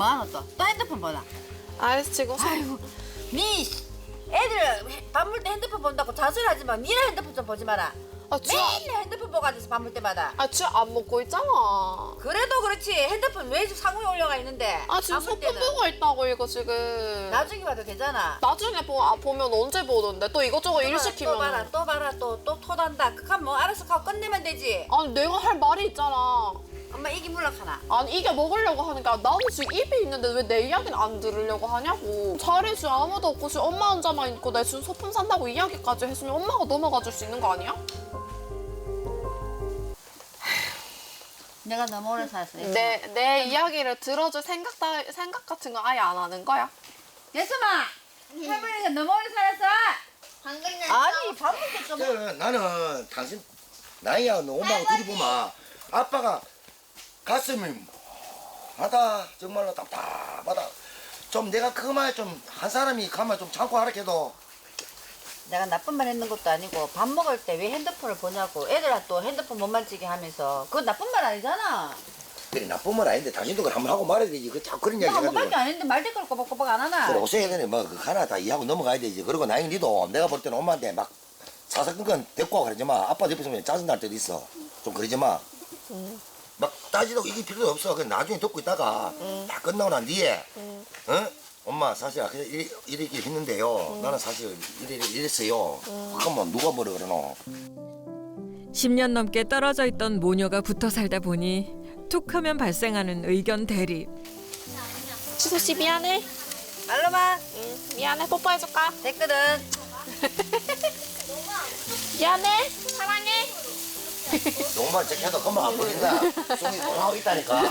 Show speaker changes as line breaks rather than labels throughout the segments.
뭐하노 또? 또 핸드폰 보나?
알았어 지금.
아이고, 니 애들 밥 먹을 때 핸드폰 본다고 자수하지 마. 니네 핸드폰 좀 보지 마라. 맨날 핸드폰 보고 앉아서 밥 먹을 때마다.
안 먹고 있잖아.
그래도 그렇지. 핸드폰 왜 상호에 올려가 있는데?
지금
밥 먹을
소품
때는
보고 있다고 이거 지금.
나중에 봐도 되잖아.
나중에 보면 언제 보던데? 또 이것저것 일 시키면.
또 봐라. 또 토단다. 그럼 뭐 알아서 하고 끝내면 되지.
아니 내가 할 말이 있잖아.
엄마 이기 물락하나?
아니 이게 먹으려고 하니까 나도 지금 입이 있는데 왜 내 이야기는 안 들으려고 하냐고. 자리에 지금 아무도 없고 지금 엄마 혼자만 있고 내 지금 소품 산다고 이야기까지 했으면 엄마가 넘어가 줄 수 있는 거 아니야?
내가 너무 오래 살았어.
내 이야기를 들어줄 생각 같은 거 아예 안 하는 거야?
예수마! 할머니가 너무 오래 살았어! 아니 밥 먹을 때 좀...
나는 당신 나이야 너 엄마하고 둘이 보면 아빠가 가슴이 하다 정말로 답답하다. 좀 내가 그 말 좀 한 사람이 가만 좀 참고 하라 해도
내가 나쁜 말 했는 것도 아니고 밥 먹을 때 왜 핸드폰을 보냐고 애들아 또 핸드폰 못 만지게 하면서 그건 나쁜 말 아니잖아.
그래 나쁜 말 아닌데 당신도 그걸 한번 하고 말해야 되지. 그 자꾸 그런 이야기
내가 뭐
해가지고
밖에 안 했는데 말 댓글 꼬박꼬박 안 하나?
그래 오세야 되네 뭐그 하나 다 이해하고 넘어가야 되지. 그리고 나이 니도 내가 볼 때는 엄마한테 막 사사건건 데리고 와 그러지 마. 아빠 옆에 있으면 짜증날 때도 있어. 좀 그러지 마. 막 따지고 이길 필요도 없어. 그냥 나중에 듣고 있다가 다 끝나고 난 뒤에 어? 엄마 사실 이렇게 했는데요. 나는 사실 이랬어요. 그러면 누가 뭐라 그러노?
10년 넘게 떨어져 있던 모녀가 붙어 살다 보니 툭하면 발생하는 의견 대립.
지수 씨 미안해.
말로만
미안해. 뽀뽀해줄까?
됐거든.
미안해. 사랑해.
너무만 착해도 금방 안 보인다. 손이 돌아오고 있다니까.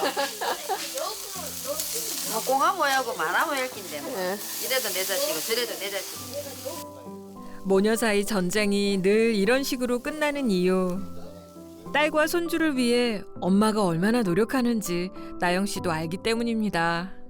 뭐 공화 모여고 마나 모일 낀데 뭐. 이래도 내 자식이고 저래도 내 자식.
모녀 사이 전쟁이 늘 이런 식으로 끝나는 이유. 딸과 손주를 위해 엄마가 얼마나 노력하는지 나영 씨도 알기 때문입니다.